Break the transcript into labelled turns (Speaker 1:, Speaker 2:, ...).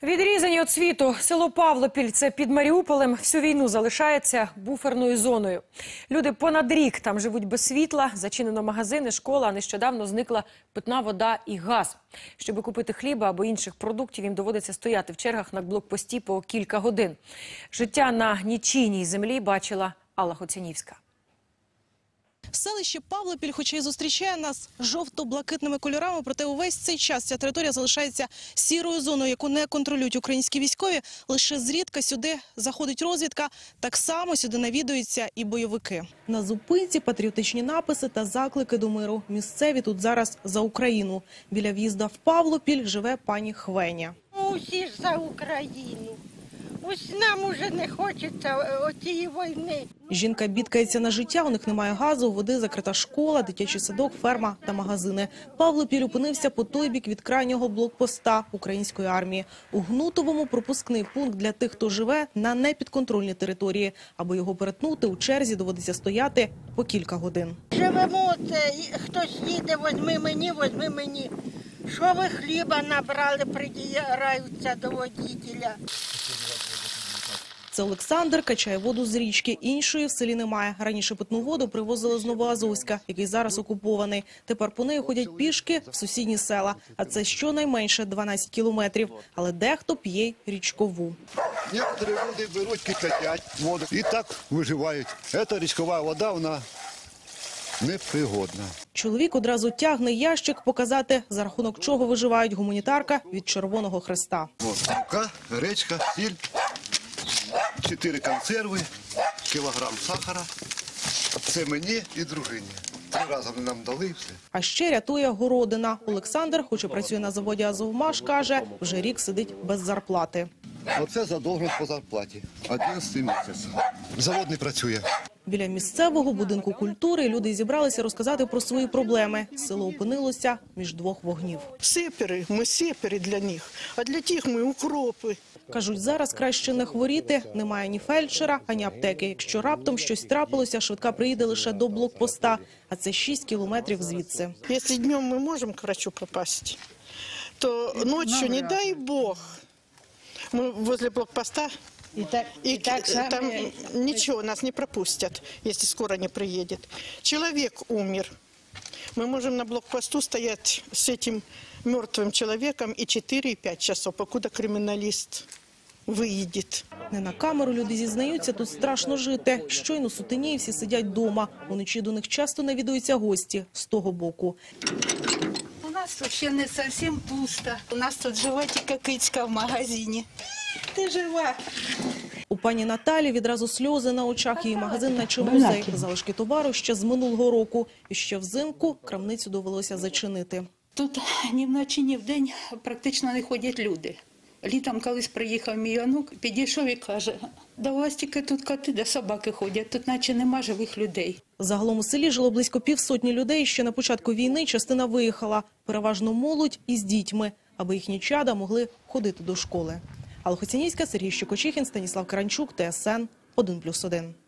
Speaker 1: Відрізані від світу село Павлопіль – це під Маріуполем, всю війну залишається буферною зоною. Люди понад рік там живуть без світла, зачинено магазини, школа, а нещодавно зникла питна вода і газ. Щоби купити хліба або інших продуктів, їм доводиться стояти в чергах на блокпості по кілька годин. Життя на нічийній землі бачила Алла Хоцянівська.
Speaker 2: Селище Павлопіль, хоча й зустрічає нас жовто-блакитними кольорами, проте увесь цей час ця територія залишається сірою зоною, яку не контролюють українські військові. Лише зрідка сюди заходить розвідка, так само сюди навідуються і бойовики. На зупинці патріотичні написи та заклики до миру. Місцеві тут зараз за Україну. Біля в'їзда в Павлопіль живе пані Хвеня.
Speaker 3: Усі ж за Україну. Ось нам уже не хочеться оцієї війни.
Speaker 2: Жінка бідкається на життя, у них немає газу, води, закрита школа, дитячий садок, ферма та магазини. Павлопіль опинився по той бік від крайнього блокпоста української армії. У Гнутовому пропускний пункт для тих, хто живе на непідконтрольній території. Аби його перетнути, у черзі доводиться стояти по кілька годин.
Speaker 3: Живемо, це хтось їде, возьми мені. Що ви хліба набрали, придираються до водителя.
Speaker 2: Це Олександр качає воду з річки. Іншої в селі немає. Раніше питну воду привозили з Новоазовська, який зараз окупований. Тепер по неї ходять пішки в сусідні села. А це щонайменше 12 кілометрів. Але дехто п'є й річкову.
Speaker 4: Некоторі люди беруть, кипятять воду і так виживають. Ця річкова вода, вона непригодна.
Speaker 2: Чоловік одразу тягне ящик показати, за рахунок чого виживають. Гуманітарка від Червоного Хреста.
Speaker 4: Ось мука, гречка, сіль, 4 консерви, кілограм сахара. Це мені і дружині. 3 рази вони нам дали і все.
Speaker 2: А ще рятує городина. Олександр, хоч і працює на заводі «Азовмаш», каже, вже рік сидить без зарплати.
Speaker 4: Оце задовженість по зарплаті. 11 місяць. Завод не працює.
Speaker 2: Біля місцевого будинку культури люди зібралися розказати про свої проблеми. Село опинилося між двох вогнів.
Speaker 5: Сепери, ми сепери для них, а для тих ми укропи.
Speaker 2: Кажуть, зараз краще не хворіти, немає ні фельдшера, ані аптеки. Якщо раптом щось трапилося, швидка приїде лише до блокпоста, а це 6 кілометрів звідси.
Speaker 5: Якщо днем ми можемо к врачу попасти, то ночью, не дай Бог, ми возле блокпоста, и там ничего, нас не пропустят, если скоро не приедет. Человек умер. Мы можем на блокпосту стоять с этим мертвым человеком и 4-5 часов, покуда криминалист виїде.
Speaker 2: Не на камеру люди зізнаються, тут страшно жити. Щойно сутеніє, всі сидять вдома. Уночі до них часто навідуються гості з того боку.
Speaker 6: У нас тут ще не зовсім пусто. У нас тут живе тільки кицька в магазині. Ти жива.
Speaker 2: У пані Наталі відразу сльози на очах. Її магазин наче музей. Залишки товару ще з минулого року. І ще взимку крамницю довелося зачинити.
Speaker 6: Тут ні вночі, ні вдень практично не ходять люди. Літом колись приїхав мій онук, підійшов і каже, да у вас тільки тут коти, де собаки ходять, тут наче нема живих людей.
Speaker 2: Загалом у селі жило близько півсотні людей. Ще на початку війни частина виїхала. Переважно молодь із дітьми, аби їхні чада могли ходити до школи. Алла Хоцянівська, Сергій Щукочихін, Станіслав Каранчук, ТСН 1+1.